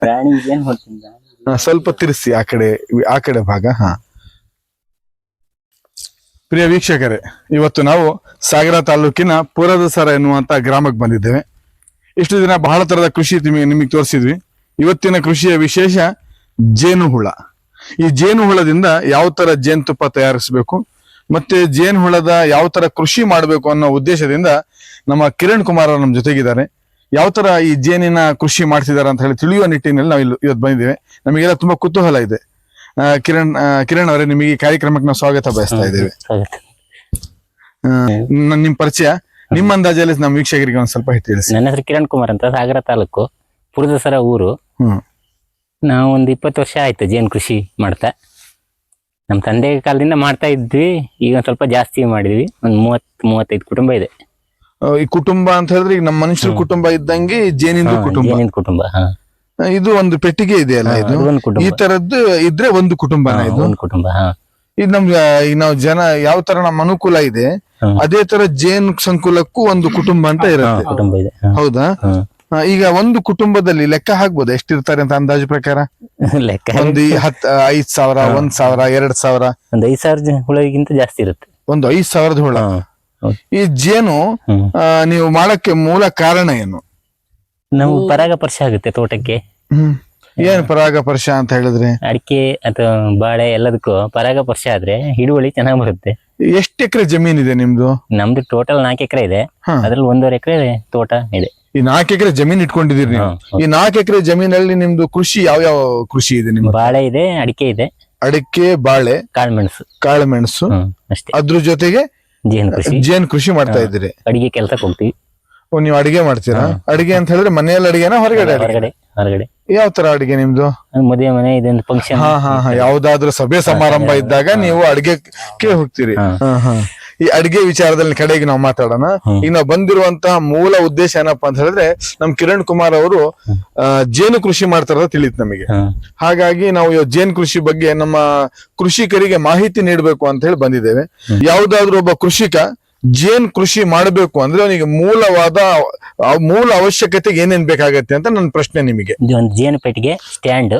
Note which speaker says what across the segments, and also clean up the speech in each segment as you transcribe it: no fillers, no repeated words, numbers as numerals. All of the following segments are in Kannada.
Speaker 1: ಪ್ರಾಣಿ ಏನ್ ಹೊಡ್ತೀನಿ
Speaker 2: ಸ್ವಲ್ಪ ತಿರ್ಸಿ ಆ ಕಡೆ ಭಾಗ. ಪ್ರಿಯ ವೀಕ್ಷಕರೇ, ಇವತ್ತು ನಾವು ಸಾಗರ ತಾಲೂಕಿನ ಪುರದಸರ ಎನ್ನುವಂತ ಗ್ರಾಮಕ್ಕೆ ಬಂದಿದ್ದೇವೆ. ಇಷ್ಟು ದಿನ ಬಹಳ ತರದ ಕೃಷಿ ನಿಮಗೆ ತೋರಿಸಿದ್ವಿ. ಇವತ್ತಿನ ಕೃಷಿಯ ವಿಶೇಷ ಜೇನುಹುಳ. ಈ ಜೇನುಹುಳದಿಂದ ಯಾವ ತರ ಜೇನುತುಪ್ಪ ತಯಾರಿಸಬೇಕು ಮತ್ತೆ ಜೇನುಹುಳದ ಯಾವ ತರ ಕೃಷಿ ಮಾಡಬೇಕು ಅನ್ನೋ ಉದ್ದೇಶದಿಂದ ನಮ್ಮ ಕಿರಣ್ ಕುಮಾರ್ ಅವರು ನಮ್ಮ ಜೊತೆಗಿದ್ದಾರೆ. ಯಾವ ತರ ಈ ಜೇನಿನ ಕೃಷಿ ಮಾಡ್ತಿದ್ದಾರೆ ಅಂತ ಹೇಳಿ ತಿಳಿಯುವ ನಿಟ್ಟಿನಲ್ಲಿ ನಾವು ಇವತ್ತು ಬಂದಿದ್ದೇವೆ. ನಮಗೆಲ್ಲ ತುಂಬಾ ಕುತೂಹಲ ಇದೆ. ಕಿರಣ್ ಅವರೇ, ನಿಮಗೆ ಈ ಕಾರ್ಯಕ್ರಮಕ್ಕೆ ನಾವು ಸ್ವಾಗತ ಬಯಸ್ತಾ ಇದ್ದೇವೆ. ನಿಮ್ ಪರಿಚಯ, ನಿಮ್ಮ ಅಂದಾಜಲ್ಲಿ ನಮ್ಮ ವೀಕ್ಷಕರಿಗೆ ಒಂದ್ ಸ್ವಲ್ಪ ತಿಳಿಸಿ.
Speaker 1: ನನ್ನ ಹೆಸರು ಕಿರಣ್ ಕುಮಾರ್ ಅಂತ, ಸಾಗರ ತಾಲೂಕು, ಪುರದಸರ ಊರು. ನಾವು ಒಂದು 20 ವರ್ಷ ಆಯ್ತು ಜೇನು ಕೃಷಿ ಮಾಡ್ತಾ. ನಮ್ಮ ತಂದೆ ಕಾಲದಿಂದ ಮಾಡ್ತಾ ಇದ್ವಿ. ಈಗ ಸ್ವಲ್ಪ ಜಾಸ್ತಿ ಮಾಡಿದ್ವಿ. ಒಂದು 30-35 ಕುಟುಂಬ ಇದೆ.
Speaker 2: ಈ ಕುಟುಂಬ ಅಂತ ಹೇಳಿದ್ರೆ ಈಗ ನಮ್ಮ ಮನುಷ್ಯರ ಕುಟುಂಬ ಇದ್ದಂಗೆ ಜೇನಿಂದ
Speaker 1: ಕುಟುಂಬ.
Speaker 2: ಇದು ಒಂದು ಪೆಟ್ಟಿಗೆ ಇದೆಯಲ್ಲ, ಇದು ಈ ತರದ್ದು ಇದ್ರೆ ಒಂದು ಕುಟುಂಬ.
Speaker 1: ಒಂದು ಕುಟುಂಬ.
Speaker 2: ಇದು ನಮ್ಗೆ ಈಗ ನಾವು ಜನ ಯಾವ ತರ ನಮ್ಮ ಅನುಕೂಲ ಇದೆ ಅದೇ ತರ ಜೇನು ಸಂಕುಲಕ್ಕೂ ಒಂದು ಕುಟುಂಬ ಅಂತ ಇರುತ್ತೆ.
Speaker 1: ಕುಟುಂಬ ಇದೆ.
Speaker 2: ಹೌದಾ? ಈಗ ಒಂದು ಕುಟುಂಬದಲ್ಲಿ ಲೆಕ್ಕ ಹಾಕ್ಬೋದು ಎಷ್ಟಿರ್ತಾರೆ ಅಂತ ಅಂದಾಜು ಪ್ರಕಾರ?
Speaker 1: ಲೆಕ್ಕ
Speaker 2: ಒಂದು 5,000, 1,000, 2,000,
Speaker 1: ಒಂದು 5,000 ಹುಳಗಿಂತ ಜಾಸ್ತಿ ಇರುತ್ತೆ.
Speaker 2: ಒಂದು 5,000 ಹುಳ. ಈ ಜೇನು ನೀವು ಮಾಡಕ್ಕೆ ಮೂಲ ಕಾರಣ ಏನು?
Speaker 1: ನಾವು ಪರಾಗಸ್ಪರ್ಶ ಆಗುತ್ತೆ ತೋಟಕ್ಕೆ.
Speaker 2: ಏನ್ ಪರಾಗಸ್ಪರ್ಶ ಅಂತ ಹೇಳಿದ್ರೆ?
Speaker 1: ಅಡಿಕೆ ಅಥವಾ ಬಾಳೆ ಎಲ್ಲದಕ್ಕೂ ಪರಾಗಸ್ಪರ್ಶ ಆದ್ರೆ ಹಿಡುವಳಿ ಚೆನ್ನಾಗಿ ಬರುತ್ತೆ.
Speaker 2: ಎಷ್ಟು ಎಕರೆ ಜಮೀನ್ ಇದೆ ನಿಮ್ದು?
Speaker 1: ನಮ್ದು ಟೋಟಲ್ 4 ಎಕರೆ ಇದೆ. ಅದ್ರಲ್ಲಿ 1.5 ಎಕರೆ ತೋಟ ಇದೆ.
Speaker 2: ಈ 4 ಎಕರೆ ಜಮೀನ್ ಇಟ್ಕೊಂಡಿದೀರಿ ನೀವು. ಈ 4 ಎಕರೆ ಜಮೀನಲ್ಲಿ ನಿಮ್ದು ಕೃಷಿ ಯಾವ ಕೃಷಿ ಇದೆ ನಿಮ್ದು?
Speaker 1: ಬಾಳೆ ಇದೆ, ಅಡಿಕೆ ಇದೆ.
Speaker 2: ಅಡಿಕೆ, ಬಾಳೆ, ಕಾಳುಮೆಣಸು
Speaker 1: ಅಷ್ಟೇ.
Speaker 2: ಅದ್ರ ಜೊತೆಗೆ ಜೇನು ಕೃಷಿ ಮಾಡ್ತಾ ಇದ್ದೀರಿ.
Speaker 1: ಅಡಿಗೆ ಕೆಲ್ಸಕ್ಕೆ ಹೋಗ್ತೀವಿ.
Speaker 2: ನೀವು ಅಡಿಗೆ ಮಾಡ್ತೀರಾ? ಅಡಿಗೆ ಅಂತ ಹೇಳಿದ್ರೆ ಮನೆಯಲ್ಲಿ ಅಡಿಗೆನಾ ಹೊರಗಡೆ?
Speaker 1: ಹೊರಗಡೆ.
Speaker 2: ಯಾವ ತರ ಅಡಿಗೆ ನಿಮ್ದು?
Speaker 1: ಮದುವೆ ಮನೆ, ಇದೊಂದು ಫಂಕ್ಷನ್.
Speaker 2: ಯಾವ್ದಾದ್ರು ಸಭೆ ಸಮಾರಂಭ ಇದ್ದಾಗ ನೀವು ಅಡಿಗೆಗೆ ಹೋಗ್ತೀರಿ. ಈ ಅಡಿಗೆ ವಿಚಾರದಲ್ಲಿ ಕಡೆಗೆ ನಾವು ಮಾತಾಡೋಣ. ಈಗ ನಾವು ಬಂದಿರುವಂತಹ ಮೂಲ ಉದ್ದೇಶ ಏನಪ್ಪಾ ಅಂತ ಹೇಳಿದ್ರೆ, ನಮ್ ಕಿರಣ್ ಕುಮಾರ್ ಅವರು ಜೇನು ಕೃಷಿ ಮಾಡ್ತಾರ ತಿಳಿತು ನಮಗೆ. ಹಾಗಾಗಿ ನಾವು ಜೇನು ಕೃಷಿ ಬಗ್ಗೆ ನಮ್ಮ ಕೃಷಿಕರಿಗೆ ಮಾಹಿತಿ ನೀಡಬೇಕು ಅಂತ ಹೇಳಿ ಬಂದಿದ್ದೇವೆ. ಯಾವ್ದಾದ್ರು ಒಬ್ಬ ಕೃಷಿಕ ಜೇನ್ ಕೃಷಿ ಮಾಡಬೇಕು ಅಂದ್ರೆ ಅವನಿಗೆ ಮೂಲ ಅವಶ್ಯಕತೆ ಏನೇನ್ ಬೇಕಾಗತ್ತೆ ಅಂತ ನನ್ನ ಪ್ರಶ್ನೆ ನಿಮಗೆ.
Speaker 1: ಒಂದು ಜೇನು ಪೆಟ್ಟಿಗೆ ಸ್ಟ್ಯಾಂಡ್,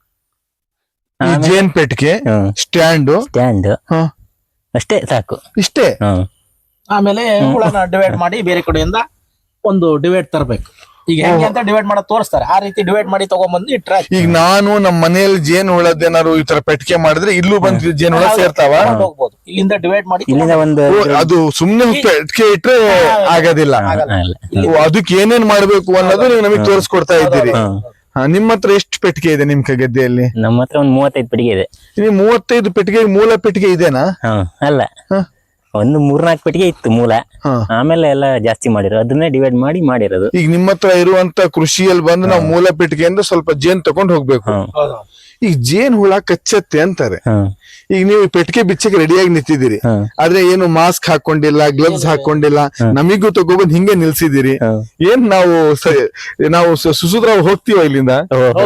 Speaker 2: ಜೇನ್ ಪೆಟ್ಟಿಗೆ ಸ್ಟ್ಯಾಂಡ್
Speaker 1: ಅಷ್ಟೇ ಸಾಕು.
Speaker 2: ಇಷ್ಟೇ.
Speaker 3: ಆಮೇಲೆ ಹುಳನ ಡಿವೈಡ್ ಮಾಡಿ ಬೇರೆ ಕಡೆಯಿಂದ ಒಂದು ಡಿವೈಡ್ ತರಬೇಕು. ಈಗ ಹೆಂಗೆ ಅಂತ ಡಿವೈಡ್ ಮಾಡೋದು ತೋರಿಸ್ತಾರೆ, ಆ ರೀತಿ ಡಿವೈಡ್ ಮಾಡಿ ತಗೊಂಡ್ಬಂದು ಇಟ್ರೆ.
Speaker 2: ಈಗ ನಾನು ನಮ್ಮ ಮನೆಯಲ್ಲಿ ಜೇನು ಹುಳದೇನಾರು ಈ ತರ ಪೆಟ್ಟಿಗೆ ಮಾಡಿದ್ರೆ ಇಲ್ಲೂ ಬಂದು ಜೇನು ಹುಳ ಸೇರ್ತಾವ?
Speaker 3: ಹೋಗ್ಬೋದು. ಇಲ್ಲಿಂದ ಡಿವೈಡ್ ಮಾಡಿ
Speaker 1: ಇಲ್ಲಿಂದ ಒಂದು
Speaker 2: ಅದು ಸುಮ್ನೆ ಪೆಟ್ಟಿಗೆ ಇಟ್ರೆ ಆಗೋದಿಲ್ಲ. ಅದಕ್ಕೆ ಏನೇನ್ ಮಾಡ್ಬೇಕು ಅನ್ನೋದು ನೀವು ನಮಗೆ ತೋರಿಸ್ಕೊಡ್ತಾ ಇದ್ದೀರಿ. ನಿಮ್ಮ ಹತ್ರ ಎಷ್ಟು ಪೆಟ್ಟಿಗೆ ಇದೆ ನಿಮ್ ಗದ್ದೆಯಲ್ಲಿ?
Speaker 1: ನಮ್ಮ ಹತ್ರ ಒಂದು 35 ಪೆಟ್ಟಿಗೆ ಇದೆ.
Speaker 2: 35 ಪೆಟ್ಟಿಗೆ ಮೂಲ ಪೆಟ್ಟಿಗೆ ಇದೆನಾ?
Speaker 1: ಅಲ್ಲ, ಒಂದು 3-4 ಪೆಟ್ಟಿಗೆ ಇತ್ತು ಮೂಲ. ಆಮೇಲೆ ಎಲ್ಲ ಜಾಸ್ತಿ ಮಾಡಿರೋ, ಅದನ್ನೇ ಡಿವೈಡ್ ಮಾಡಿರೋದು.
Speaker 2: ಈಗ ನಿಮ್ಮ ಹತ್ರ ಇರುವಂತ ಕೃಷಿಯಲ್ಲಿ ಬಂದು ನಾವು ಮೂಲ ಪೆಟ್ಟಿಗೆಯಿಂದ ಸ್ವಲ್ಪ ಜೇನ್ ತಗೊಂಡ್ ಹೋಗ್ಬೇಕು. ಈಗ ಜೇನ್ ಹುಳ ಕಚ್ಚತ್ತೆ ಅಂತಾರೆ. ಈಗ ನೀವು ಪೆಟ್ಟಿಗೆ ಬಿಚ್ಚಕ್ಕೆ ರೆಡಿಯಾಗಿ ನಿಂತಿದ್ದೀರಿ, ಆದ್ರೆ ಏನು ಮಾಸ್ಕ್ ಹಾಕೊಂಡಿಲ್ಲ, ಗ್ಲವ್ಸ್ ಹಾಕೊಂಡಿಲ್ಲ, ನಮಿಗೂ ತಗೊಬಂದ್ ಹಿಂಗೆ ನಿಲ್ಸಿದಿರಿ. ಏನ್ ನಾವು ಸುಸುದ್ರಾವ್ ಹೋಗ್ತೀವ ಇಲ್ಲಿಂದ?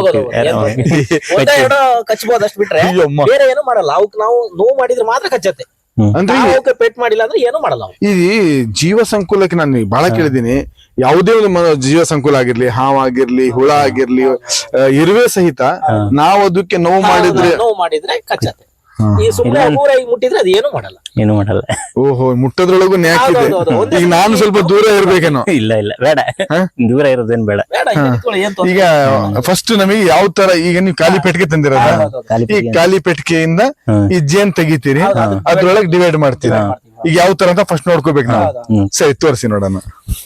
Speaker 3: ಕಚ್ಚಬಹುದು ಅಷ್ಟು ಬಿಟ್ರೆ ಬೇರೆ ಏನು ಮಾಡಲ್ಲ. ಅವಕ್ ನಾವು ನೋವು ಮಾಡಿದ್ರೆ ಮಾತ್ರ ಕಚ್ಚತ್ತೆ.
Speaker 2: ಅಂದ್ರೆ
Speaker 3: ಪೆಟ್ ಮಾಡಿಲ್ಲ ಅಂದ್ರೆ ಏನು ಮಾಡಲ್ಲ.
Speaker 2: ಈ ಜೀವ ಸಂಕುಲಕ್ಕೆ ನಾನು ಬಹಳ ಕೇಳಿದೀನಿ. ಯಾವುದೇ ಒಂದು ಜೀವ ಸಂಕುಲ ಆಗಿರ್ಲಿ, ಹಾವಾಗಿರ್ಲಿ, ಹುಳ ಆಗಿರ್ಲಿ, ಇರುವೆ ಸಹಿತ ನಾವು ಅದಕ್ಕೆ ನೋವು
Speaker 3: ಮಾಡಿದ್ರೆ ಕಚ್ಚತ್ತೆ. ಈ ಸುಮ್ಮನೆ ಊರಾಗಿ ಮುಟ್ಟಿದ್ರೆ ಅದು ಏನು ಮಾಡಲ್ಲ.
Speaker 2: ಓಹೋ, ಮುಟ್ಟದ್ರೊಳಗು ನ್ಯಾಕಿದೆ. ಈಗ ನಾನು ಸ್ವಲ್ಪ ದೂರ ಇರ್ಬೇಕೇನೋ?
Speaker 1: ಇಲ್ಲ ಬೇಡ, ದೂರ ಇರೋದೇನ್ ಬೇಡ.
Speaker 2: ಈಗ ಫಸ್ಟ್ ನಮಗೆ ಯಾವ ತರ, ಈಗ ನೀವು ಖಾಲಿ ಪೆಟ್ಟಿಗೆ ತಂದಿರೋದ, ಈ ಖಾಲಿ ಪೆಟ್ಟಿಗೆಯಿಂದ ಈ ಜೇನ್ ತೆಗಿತೀರಿ, ಅದ್ರೊಳಗೆ ಡಿವೈಡ್ ಮಾಡ್ತೀರಿ. ಈಗ ಯಾವ ತರ ಅಂತ ಫಸ್ಟ್ ನೋಡ್ಕೋಬೇಕು ನಾವು. ಸರಿ, ತೋರಿಸಿ ನೋಡೋಣ.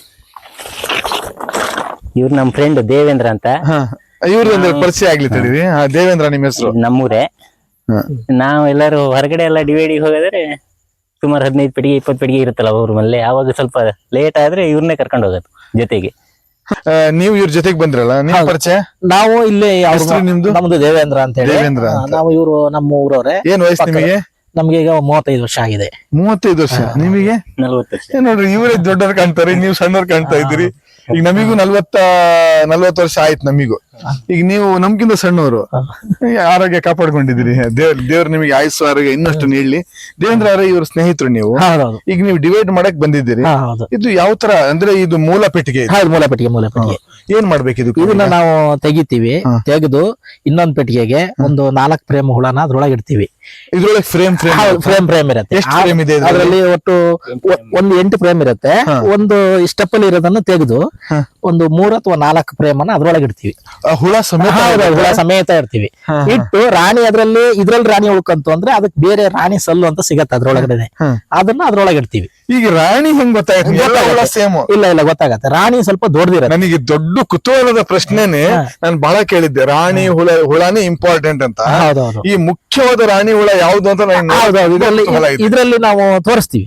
Speaker 1: ಇವ್ರು ನಮ್ ಫ್ರೆಂಡ್ ದೇವೇಂದ್ರ ಅಂತ.
Speaker 2: ಇವ್ರದ್ದು ಪರಿಚಯ ಆಗ್ಲಿ ತಡೀರಿ. ದೇವೇಂದ್ರ ನಿಮ್ಮ ಹೆಸರು?
Speaker 1: ನಮ್ಮೂರೇ. ನಾವ್ ಎಲ್ಲಾರು ಹೊರಗಡೆ ಎಲ್ಲ ಡಿವೈಡಿಗೆ ಹೋಗಿದ್ರೆ ಸುಮಾರು 15 ಪೆಟ್ಟಿಗೆ 20 ಪೆಟ್ಟಿಗೆ ಇರುತ್ತಲ್ಲ ಅವ್ರ ಮನೆ. ಅವಾಗ ಸ್ವಲ್ಪ ಲೇಟ್ ಆದ್ರೆ ಇವ್ರನ್ನೇ ಕರ್ಕೊಂಡು ಹೋಗೋದು ಜೊತೆಗೆ.
Speaker 2: ನೀವು ಇವ್ರ ಜೊತೆಗೆ ಬಂದ್ರಲ್ಲ, ನಿಮ್ ಪರಿಚಯ?
Speaker 3: ನಾವು ಇಲ್ಲಿ
Speaker 2: ನಿಮ್ದು?
Speaker 3: ನಮ್ದು ದೇವೇಂದ್ರ ಅಂತ ಹೇಳಿ. ನಾವು ಇವರು ನಮ್ಮ ಊರವ್ರೆ.
Speaker 2: ಏನ್ ವಯಸ್ಸು ನಿಮಗೆ?
Speaker 3: ನಮ್ಗೆ ಈಗ 35 ವರ್ಷ ಆಗಿದೆ.
Speaker 2: 35 ವರ್ಷ. ನಿಮಗೆ
Speaker 1: 40 ವರ್ಷ.
Speaker 2: ನೋಡ್ರಿ, ಇವರೇ ದೊಡ್ಡವ್ರು ಕಾಣ್ತಾರೆ, ನೀವು ಸಣ್ಣವ್ರು ಕಾಣ್ತಾ ಇದ್ದೀರಿ. ಈಗ ನಮಿಗೂ 40 ವರ್ಷ ಆಯ್ತು ನಮಿಗೂ. ಈಗ ನೀವು ನಮ್ಗಿಂತ ಸಣ್ಣವರು ಆರೋಗ್ಯ ಕಾಪಾಡ್ಕೊಂಡಿದ್ದೀರಿ. ದೇವ್ರು ನಿಮಗೆ ಆಯುಸ್ಸು ಆರೋಗ್ಯ ಇನ್ನಷ್ಟು ನೀಡ್ಲಿ. ದೇವೇಂದ್ರ ಅವರೇ ಇವ್ರ ಸ್ನೇಹಿತರು ನೀವು.
Speaker 3: ಹೌದೌದು.
Speaker 2: ಈಗ ನೀವು ಡಿವೈಡ್ ಮಾಡಕ್ ಬಂದಿದ್ದೀರಿ.
Speaker 3: ಹೌದು.
Speaker 2: ಇದು ಯಾವ ತರ ಅಂದ್ರೆ ಇದು ಮೂಲ ಪೆಟ್ಟಿಗೆ ಇದು.
Speaker 3: ಹೌದು, ಮೂಲ ಪೆಟ್ಟಿಗೆ.
Speaker 2: ಏನ್ ಮಾಡ್ಬೇಕಿದು?
Speaker 3: ಇದನ್ನ ನಾವು ತೆಗಿತೀವಿ. ತೆಗೆದು ಇನ್ನೊಂದ್ ಪೆಟ್ಟಿಗೆಗೆ ಒಂದು 4 ಫ್ರೇಮ್ ಹುಳನ ಅದ್ರೊಳಗೆ ಇಡ್ತೀವಿ.
Speaker 2: ಇದ್ರೊಳಗೆ
Speaker 3: ಫ್ರೇಮ್ ಇರುತ್ತೆ.
Speaker 2: ಎಷ್ಟು ಫ್ರೇಮ್ ಇದೆ ಇದ್ರಲ್ಲಿ?
Speaker 3: ಅದರಲ್ಲಿ ಒಟ್ಟು ಒಂದು 8 ಫ್ರೇಮ್ ಇರುತ್ತೆ. ಒಂದು ಸ್ಟೆಪ್ ಅಲ್ಲಿ ಇರೋದನ್ನ ತೆಗೆದು ಒಂದು 3 ಅಥವಾ 4 ಫ್ರೇಮ್ ಅನ್ನ ಅದ್ರೊಳಗೆ ಇಡ್ತೀವಿ.
Speaker 2: ಹುಳ ಸಮೇತ
Speaker 3: ಹುಳ ಸಮೇತ ಇಡ್ತೀವಿ. ಇಟ್ಟು ರಾಣಿ ಇದ್ರಲ್ಲಿ ರಾಣಿ ಉಳ್ಕಂತು ಅಂದ್ರೆ ಅದಕ್ಕೆ ಬೇರೆ ರಾಣಿ ಸಲ್ಲು ಅಂತ ಸಿಗತ್ತೆ ಅದ್ರೊಳಗಡೆ. ಅದನ್ನ ಅದ್ರೊಳಗೆ ಇಡ್ತೀವಿ.
Speaker 2: ಈಗ ರಾಣಿ ಹೆಂಗ್ ಗೊತ್ತಾಗುತ್ತೆ? ಸೇಮ್
Speaker 3: ಇಲ್ಲ ಗೊತ್ತಾಗತ್ತೆ. ರಾಣಿ ಸ್ವಲ್ಪ ದೊಡ್ಡದಿರುತ್ತೆ.
Speaker 2: ನನಗೆ ದೊಡ್ಡ ಕುತೂಹಲದ ಪ್ರಶ್ನೆನೆ ನಾನು ಬಹಳ ಕೇಳಿದ್ದೆ. ರಾಣಿ ಹುಳನೇ ಇಂಪಾರ್ಟೆಂಟ್ ಅಂತ. ಈ ಮುಖ್ಯವಾದ ರಾಣಿ ಹುಳ ಯಾವ್ದು ಅಂತ
Speaker 3: ಇದ್ರಲ್ಲಿ ನಾವು ತೋರಿಸ್ತೀವಿ.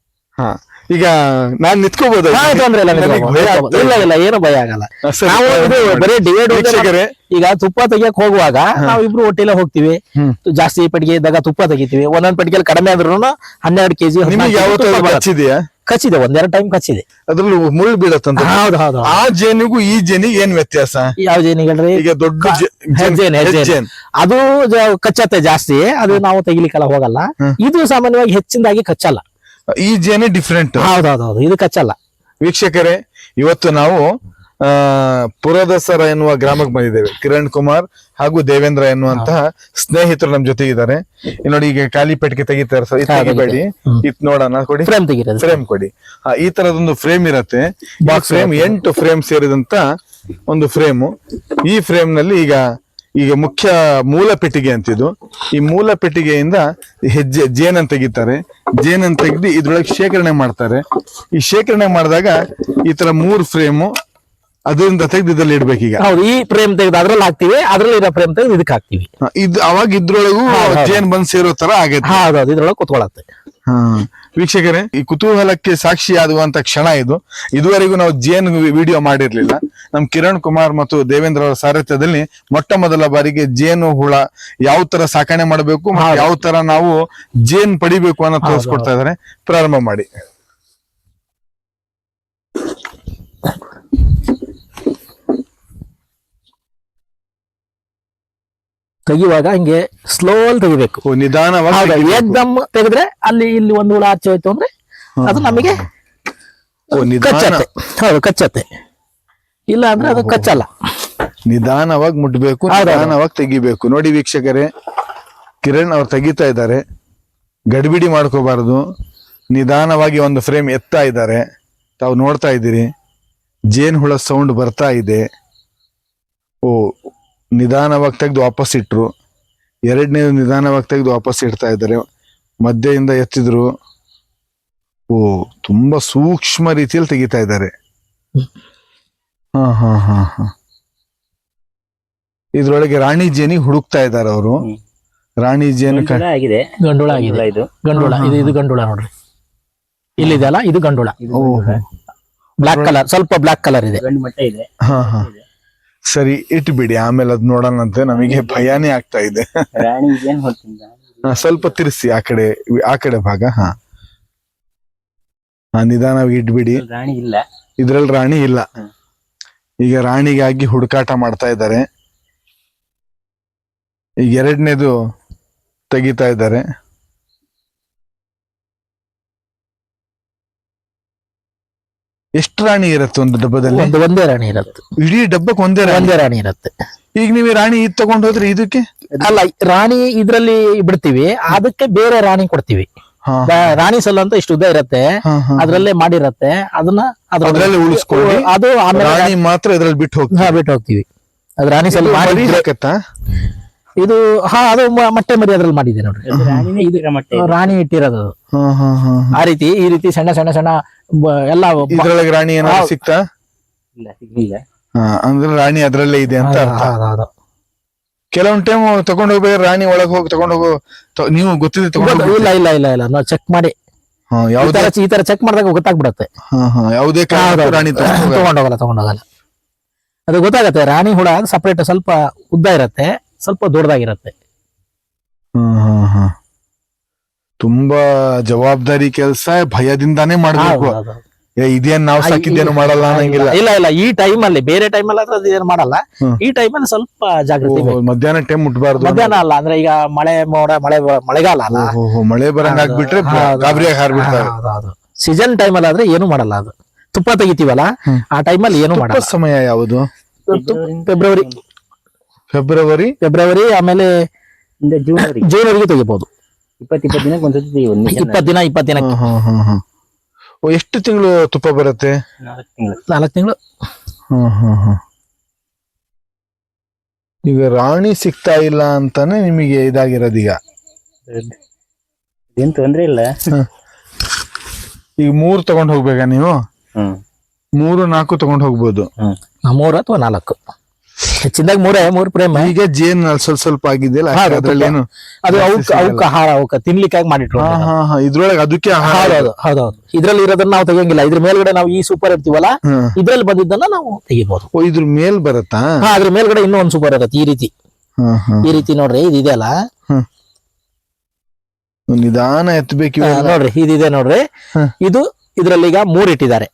Speaker 2: ಈಗ ನಾನ್ ನಿತ್ಕೋಬಹುದು?
Speaker 3: ಇಲ್ಲ ಏನು ಭಯ ಆಗಲ್ಲ. ನಾವು ಇದು ಬರೀ ಡಿವೈಡ್ ಈಗ ತುಪ್ಪ ತೆಗಿಯಕ್ ಹೋಗುವಾಗ ನಾವಿಬ್ರು ಒಟ್ಟಿಲೆ ಹೋಗ್ತಿವಿ. ಜಾಸ್ತಿ ಪೆಟ್ಟಿಗೆ ಇದ್ದಾಗ ತುಪ್ಪ ತೆಗಿತೀವಿ. ಒಂದೊಂದ್ ಪೆಟ್ಟಿಗೆಯಲ್ಲಿ ಕಡಿಮೆ ಆದ್ರೂ 12 kg. ಕಚ್ಚಿದೆ, 1-2 ಟೈಮ್ ಕಚ್ಚಿದೆ.
Speaker 2: ಅದ್ರಲ್ಲಿ ಮುಳ್ಳು ಬೀಳತ್ತಂತ.
Speaker 3: ಹೌದು.
Speaker 2: ಆ ಜೇನಿಗೂ ಈ ಜೇನಿಗೆ ಏನ್ ವ್ಯತ್ಯಾಸ?
Speaker 3: ಯಾವ ಜೇನಿಗಳ್ರಿ?
Speaker 2: ಈಗ ದೊಡ್ಡ
Speaker 3: ಹೆಜ್ಜೇನ್ ಅದು ಕಚ್ಚತ್ತೆ ಜಾಸ್ತಿ. ಅದು ನಾವು ತೆಗಿಲಿಕ್ಕೆಲ್ಲ ಹೋಗಲ್ಲ. ಇದು ಸಾಮಾನ್ಯವಾಗಿ ಹೆಚ್ಚಿನದಾಗಿ ಕಚ್ಚಲ್ಲ.
Speaker 2: ಈ ಜೇನೆ ಡಿಫ್ರೆಂಟ್.
Speaker 3: ಹೌದು, ಇದು ಕಚ್ಚಲ್ಲ.
Speaker 2: ವೀಕ್ಷಕರೇ, ಇವತ್ತು ನಾವು ಪುರದಸರ ಎನ್ನುವ ಗ್ರಾಮಕ್ಕೆ ಬಂದಿದ್ದೇವೆ. ಕಿರಣ್ ಕುಮಾರ್ ಹಾಗೂ ದೇವೇಂದ್ರ ಎನ್ನುವಂತಹ ಸ್ನೇಹಿತರು ನಮ್ ಜೊತೆ ಇದ್ದಾರೆ. ನೋಡಿ, ಈಗ ಖಾಲಿ ಪೆಟ್ಟಿಗೆ ತೆಗಿತಾರೆ ಸರ್. ತೆಗಿಬೇಡಿ, ಇತ್ ನೋಡೋಣ. ಕೊಡಿ ಫ್ರೇಮ್ ಕೊಡಿ. ಈ ತರದೊಂದು ಫ್ರೇಮ್ ಇರತ್ತೆ. ಬಾಕ್ಸ್ ಫ್ರೇಮ್ 8 ಫ್ರೇಮ್ ಸೇರಿದಂತ ಒಂದು ಫ್ರೇಮು. ಈ ಫ್ರೇಮ್ ನಲ್ಲಿ ಈಗ ಮುಖ್ಯ ಮೂಲ ಪೆಟ್ಟಿಗೆ ಅಂತಿದ್ದು. ಈ ಮೂಲ ಪೆಟ್ಟಿಗೆಯಿಂದ ಜೇನನ್ನು ತೆಗಿತಾರೆ. ಜೇನನ್ನು ತೆಗೆದು ಇದ್ರೊಳಗೆ ಶೇಖರಣೆ ಮಾಡ್ತಾರೆ. ಈ ಶೇಖರಣೆ ಮಾಡಿದಾಗ ಈ ತರ 3 ಫ್ರೇಮು ಅದರಿಂದ ತೆಗೆದು ಇದ್ರಲ್ಲಿ ಇಡ್ಬೇಕೀಗ.
Speaker 3: ಹೌದು, ಈ ಫ್ರೇಮ್ ತೆಗೆದು ಅದ್ರಲ್ಲಿ ಹಾಕ್ತಿವಿ. ಅದ್ರಲ್ಲಿ ಇರೋ ಫ್ರೇಮ್ ತೆಗೆದು ಇದಕ್ಕೆ ಹಾಕ್ತಿವಿ.
Speaker 2: ಅವಾಗ ಇದ್ರೊಳಗೂ ಜೇನ್ ಬಂದ್ ಸೇರೋ ತರ ಆಗತ್ತೆ.
Speaker 3: ಹೌದು, ಇದ್ರೊಳಗೆ ಕುತ್ಕೊಳತ್ತೆ.
Speaker 2: ವೀಕ್ಷಕರೇ, ಈ ಕುತೂಹಲಕ್ಕೆ ಸಾಕ್ಷಿಯಾಗುವಂತ ಕ್ಷಣ ಇದು. ಇದುವರೆಗೂ ನಾವು ಜೇನ್ ವಿಡಿಯೋ ಮಾಡಿರ್ಲಿಲ್ಲ. ನಮ್ ಕಿರಣ್ ಕುಮಾರ್ ಮತ್ತು ದೇವೇಂದ್ರ ಅವರ ಸಾರಥ್ಯದಲ್ಲಿ ಮೊಟ್ಟ ಮೊದಲ ಬಾರಿಗೆ ಜೇನು ಹುಳ ಯಾವ ತರ ಸಾಕಣೆ ಮಾಡಬೇಕು, ಯಾವ ತರ ನಾವು ಜೇನ್ ಪಡಿಬೇಕು ಅನ್ನೋ ತೋರಿಸ್ಕೊಡ್ತಾ ಇದಾರೆ. ಪ್ರಾರಂಭ ಮಾಡಿ.
Speaker 3: ತೆಗಿವಾಗ ಹಿಂಗೆ ಸ್ಲೋ ಅಲ್ಲಿ ತೆಗಿಬೇಕು.
Speaker 2: ನಿಧಾನವಾಗಿ
Speaker 3: ಏಕ್ದಮ್ ತೆಗೆದ್ರೆ ಅಲ್ಲಿ ಇಲ್ಲಿ ಒಂದು ಹುಳ ಆಚೆ ಹೋಯ್ತು ಅಂದ್ರೆ ಅದು ನಮಗೆ ಕಚ್ಚತ್ತೆ. ಹೌದು, ಕಚ್ಚತ್ತೆ. ಇಲ್ಲ ಅಂದ್ರೆ ಅದು ಕಚ್ಚಲ್ಲ.
Speaker 2: ನಿಧಾನವಾಗಿ ಮುಟ್ಬೇಕು, ನಿಧಾನವಾಗಿ ತೆಗಿಬೇಕು. ನೋಡಿ ವೀಕ್ಷಕರೇ, ಕಿರಣ್ ಅವ್ರು ತೆಗಿತಾ ಇದ್ದಾರೆ. ಗಡಿಬಿಡಿ ಮಾಡ್ಕೋಬಾರದು. ನಿಧಾನವಾಗಿ ಒಂದು ಫ್ರೇಮ್ ಎತ್ತಾ ಇದ್ದಾರೆ. ತಾವು ನೋಡ್ತಾ ಇದ್ದೀರಿ, ಜೇನ್ ಹುಳ ಸೌಂಡ್ ಬರ್ತಾ ಇದೆ. ನಿಧಾನವಾಗಿ ತೆಗೆದು ವಾಪಸ್ ಇಟ್ರು. ಎರಡನೇದು ನಿಧಾನವಾಗಿ ತೆಗೆದು ವಾಪಸ್ ಇಡ್ತಾ ಇದ್ದಾರೆ. ಮಧ್ಯೆಯಿಂದ ಎತ್ತಿದ್ರು. ತುಂಬಾ ಸೂಕ್ಷ್ಮ ರೀತಿಯಲ್ಲಿ ತೆಗಿತಾ ಇದ್ದಾರೆ. ಇದ್ರೊಳಗೆ ರಾಣಿ ಜೇನಿ ಹುಡುಕ್ತಾ ಇದ್ದಾರೆ ಅವರು. ರಾಣಿ ಜೇನು
Speaker 3: ಗಂಡುಳ ಆಗಿದೆ. ಇದು ಗಂಡುಳ ನೋಡ್ರಿ. ಇಲ್ಲಿದೆಯಲ್ಲ, ಇದು ಗಂಡುಳ. ಬ್ಲಾಕ್ ಕಲರ್, ಸ್ವಲ್ಪ ಬ್ಲಾಕ್ ಕಲರ್ ಇದೆ.
Speaker 2: ಸರಿ, ಇಟ್ಬಿಡಿ. ಆಮೇಲೆ ಅದ್ ನೋಡೋಣಂತೆ. ನಮಗೆ ಭಯಾನೇ ಆಗ್ತಾ ಇದೆ. ಸ್ವಲ್ಪ ತಿರ್ಸಿ ಆ ಕಡೆ ಭಾಗ. ನಿಧಾನವಾಗಿ ಇಟ್ಬಿಡಿ. ಇದ್ರಲ್ಲಿ ರಾಣಿ ಇಲ್ಲ. ಈಗ ರಾಣಿಗಾಗಿ ಹುಡುಕಾಟ ಮಾಡ್ತಾ ಇದ್ದಾರೆ. ಈಗ ಎರಡನೇದು ತೆಗಿತಾ ಇದ್ದಾರೆ. ಎಷ್ಟು ರಾಣಿ ಇರುತ್ತೆ ಒಂದು ಡಬ್ಬದಲ್ಲಿ?
Speaker 3: ಒಂದೇ ರಾಣಿ ಇರುತ್ತೆ.
Speaker 2: ಇಡೀ ಡಬ್ಬಕ್ಕೆ ಒಂದೇ
Speaker 3: ರಾಣಿ ಇರುತ್ತೆ.
Speaker 2: ಈಗ ನೀವು ರಾಣಿ ಇದ್ ತಗೊಂಡ್ ಹೋದ್ರೆ ಇದಕ್ಕೆ
Speaker 3: ಅಲ್ಲ, ರಾಣಿ ಇದ್ರಲ್ಲಿ ಬಿಡ್ತೀವಿ, ಅದಕ್ಕೆ ಬೇರೆ ರಾಣಿ ಕೊಡ್ತೀವಿ. ರಾಣಿ ಸಲ್ ಅಂತ ಇಷ್ಟು ಉದ್ದ ಇರತ್ತೆ, ಅದ್ರಲ್ಲೇ ಮಾಡಿರತ್ತೆ. ಅದನ್ನ
Speaker 2: ಉಳಿಸ್ಕೊಳ್ಳಿ.
Speaker 3: ಅದು
Speaker 2: ರಾಣಿ ಮಾತ್ರ ಇದ್ರಲ್ಲಿ ಬಿಟ್ಟು
Speaker 3: ಹೋಗ್ತೀವಿ. ಅದ್ ರಾಣಿ ಸಲ್ ಮಾಡಿ ಇದು ಅದು ಮೊಟ್ಟೆ ಮರಿ ಅದ್ರಲ್ಲಿ ಮಾಡಿದೆ ನೋಡ್ರಿ. ರಾಣಿ ಇಟ್ಟಿರೋದು ಆ ರೀತಿ. ಈ ರೀತಿ ಸಣ್ಣ ಸಣ್ಣ ಸಣ್ಣ ಎಲ್ಲ
Speaker 2: ಇದ್ರೊಳಗೆ ರಾಣಿ ಏನಾದ್ರು ಸಿಕ್ತಾ? ಅಂದ್ರೆ ರಾಣಿ ಅದ್ರಲ್ಲೇ ಇದೆ ಅಂತ. ಕೆಲವೊಂದ್ ಟೈಮ್ ತಗೊಂಡ್ ಹೋಗ್ಬೇಕು, ರಾಣಿ ಒಳಗ್ ಹೋಗಿ ತಗೊಂಡ್ ಹೋಗೋ. ನೀವು ಗೊತ್ತಿದೆ ತಗೊಂಡ್?
Speaker 3: ಇಲ್ಲ ನಾವು ಚೆಕ್ ಮಾಡಿ ಈ ತರ ಚೆಕ್ ಮಾಡಿದಾಗ ಗೊತ್ತಾಗ್ಬಿಡತ್ತೆ.
Speaker 2: ಯಾವುದೇ ರಾಣಿ
Speaker 3: ತಗೊಂಡೋಗಲ್ಲ. ಅದು ಗೊತ್ತಾಗತ್ತೆ. ರಾಣಿ ಹುಳ ಸಪರೇಟ್ ಸ್ವಲ್ಪ ಉದ್ದ ಇರತ್ತೆ, ಸ್ವಲ್ಪ ದೊಡ್ಡದಾಗಿರತ್ತೆ.
Speaker 2: ತುಂಬಾ ಜವಾಬ್ದಾರಿ ಕೆಲಸ, ಭಯದಿಂದಾನೇ ಮಾಡ್ಬೇಕು. ಇದೇನ್ ನಾವ್ ಸಾಕಿದ್ದೇನು ಮಾಡಲ್ಲ ಅನ್ನಂಗಿಲ್ಲ.
Speaker 3: ಇಲ್ಲ ಇಲ್ಲ, ಈ ಟೈಮ್ ಅಲ್ಲಿ ಬೇರೆ ಟೈಮ್ ಅಲ್ಲಿ ಅದು ಏನು ಮಾಡಲ್ಲ. ಈ ಟೈಮ್ ಅಲ್ಲಿ ಸ್ವಲ್ಪ ಜಾಗೃತಿ ಬೇಕು.
Speaker 2: ಮಧ್ಯಾಹ್ನ ಟೈಮ್ ಮುಟ್ಬಾರ್ದು.
Speaker 3: ಮಧ್ಯಾಹ್ನ ಅಲ್ಲ, ಅಂದ್ರೆ ಈಗ ಮಳೆ ಮೋಡ ಮಳೆಗಾಲ ಅಲ್ಲ,
Speaker 2: ಮಳೆ ಬರಂಗ್ ಆಗ್ಬಿಟ್ರೆ ಗಾಬರಿಯಾಗಿ ಹಾರ್ಬಿಡ್ತಾರೆ.
Speaker 3: ಸೀಸನ್ ಟೈಮ್ ಅಲ್ಲಿ ಆದ್ರೆ ಏನು ಮಾಡಲ್ಲ. ಅದು ತುಪ್ಪ ತೆಗಿತೀವಲ್ಲ ಆ ಟೈಮ್ ಅಲ್ಲಿ ಏನು ಮಾಡಲ್ಲ.
Speaker 2: ಸಮಯ ಯಾವುದು?
Speaker 3: ಫೆಬ್ರವರಿ ಆಮೇಲೆ ಜೂನ್ ವರೆಗೆ ತೆಗಿಬಹುದು.
Speaker 1: 20 ದಿನಕ್ಕೆ ಒಂದ್ಸತಿ ತೆಗಿಬೋದು.
Speaker 3: 20 ದಿನಕ್ಕೆ.
Speaker 2: ಎಷ್ಟು ತಿಂಗಳು ತುಪ್ಪ ಬರುತ್ತೆ?
Speaker 3: 4 ತಿಂಗಳು.
Speaker 2: ಈಗ ರಾಣಿ ಸಿಗ್ತಾ ಇಲ್ಲ ಅಂತಾನೆ ನಿಮಗೆ ಇದಾಗಿರೋದು. ಈಗ
Speaker 1: ಏನ್ ತೊಂದ್ರೆ ಇಲ್ಲ.
Speaker 2: ಈಗ 3 ತಗೊಂಡ್ ಹೋಗ್ಬೇಕಾ ನೀವು? 3-4 ತಗೊಂಡ್ ಹೋಗ್ಬೋದು.
Speaker 3: 3 ಅಥವಾ 4 ಹೆಚ್ಚಿಂದಾಗ 3 ಪ್ರೇಮ.
Speaker 2: ಈಗ ಜೇನ್ ಸ್ವಲ್ಪ ಆಗಿದೆಯಲ್ಲ, ಅದ್ರಲ್ಲಿ ಏನು
Speaker 3: ಅದು ಅವಕ್ಕ ಆಹಾರ, ಅವಕ್ಕ ತಿನ್ಲಿಕ್ಕಾಗಿ ಮಾಡಿಟ್ರು.
Speaker 2: ಇದ್ರೊಳಗೆ ಅದಕ್ಕೆ
Speaker 3: ಹೌದೌದು. ಇದ್ರಲ್ಲಿ ಇರೋದನ್ನ ನಾವು ತೆಗಿಯಂಗಿಲ್ಲ. ಇದ್ರ ಮೇಲ್ಗಡೆ ನಾವು ಈ ಸೂಪರ್ ಇರ್ತೀವಲ್ಲ, ಇದ್ರಲ್ಲಿ ಬಂದಿದ್ದನ್ನ ನಾವು ತೆಗಿಬಹುದು.
Speaker 2: ಇದ್ರ ಮೇಲ್ ಬರತ್ತಾ?
Speaker 3: ಅದ್ರ ಮೇಲ್ಗಡೆ ಇನ್ನೂ ಒಂದ್ ಸೂಪರ್ ಇರತ್ತೆ. ಈ ರೀತಿ ನೋಡ್ರಿ, ಇದೆಯಲ್ಲ,
Speaker 2: ನಿಧಾನ ಎತ್ತಬೇಕು
Speaker 3: ನೋಡ್ರಿ. ಇದಿದೆ ನೋಡ್ರಿ, ಇದು ಇದ್ರಲ್ಲಿ ಈಗ 3 ಇಟ್ಟಿದ್ದಾರೆ.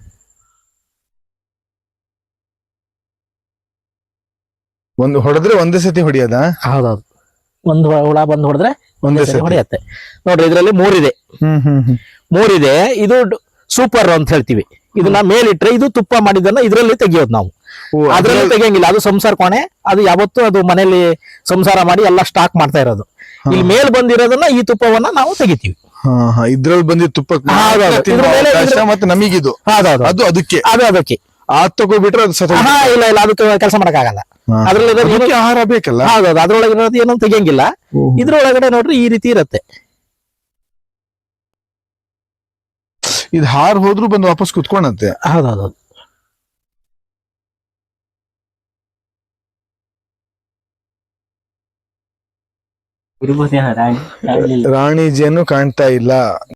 Speaker 2: ಒಂದು ಹೊಡೆದ್ರೆ ಒಂದೇ ಸತಿ ಹೊಡಿಯೋದ?
Speaker 3: ಹೌದೌದು. ಒಂದು ಹುಳ ಬಂದು ಹೊಡೆದ್ರೆ ಒಂದೇ ಸತಿ ಹೊಡೆಯತ್ತೆ. ನೋಡ್ರಿ, ಇದ್ರಲ್ಲಿ 3 ಇದೆ. 3 ಇದೆ. ಇದು ಸೂಪರ್ ಅಂತ ಹೇಳ್ತೀವಿ. ಇದನ್ನ ಮೇಲಿಟ್ರೆ ಇದು ತುಪ್ಪ ಮಾಡಿದನ್ನ ಇದ್ರಲ್ಲಿ ತೆಗಿಯೋದು ನಾವು. ಅದ್ರಲ್ಲಿ ತೆಗಿಯಂಗಿಲ್ಲ. ಅದು ಸಂಸಾರ ಕೋಣೆ. ಅದು ಯಾವತ್ತೂ ಅದು ಮನೇಲಿ ಸಂಸಾರ ಮಾಡಿ ಎಲ್ಲ ಸ್ಟಾಕ್ ಮಾಡ್ತಾ ಇರೋದು. ಇಲ್ಲಿ ಮೇಲ್ ಬಂದಿರೋದನ್ನ ಈ ತುಪ್ಪವನ್ನ ನಾವು ತೆಗಿತೀವಿ.
Speaker 2: ಇದ್ರಲ್ಲಿ ಬಂದಿದ್ದ ತುಪ್ಪ ಮತ್ತೆ ನಮಗಿದು ಅದು ಅದಕ್ಕೆ ತಗೋಬಿಟ್ರೆ ಅದು
Speaker 3: ಇಲ್ಲ ಇಲ್ಲ, ಅದಕ್ಕೆ ಕೆಲಸ ಮಾಡಕ್ಕಾಗಲ್ಲ. ಅದ್ರಲ್ಲಿ
Speaker 2: ಆಹಾರ ಬೇಕಲ್ಲ.
Speaker 3: ಹೌದೌದು. ಅದ್ರೊಳಗೆ ಇರೋದು ಏನೋ ತೆಗಿಯಂಗಿಲ್ಲ. ಇದ್ರೊಳಗಡೆ ನೋಡ್ರಿ ಈ ರೀತಿ ಇರತ್ತೆ.
Speaker 2: ಇದು ಹಾರ್ ಹೋದ್ರು ಬಂದು ವಾಪಸ್ ಕುತ್ಕೊಂಡಂತೆ.
Speaker 3: ಹೌದೌದು.
Speaker 1: ರಾಣಿ
Speaker 2: ಜೇನು ಕಾಣ್ತಾ ಇಲ್ಲ.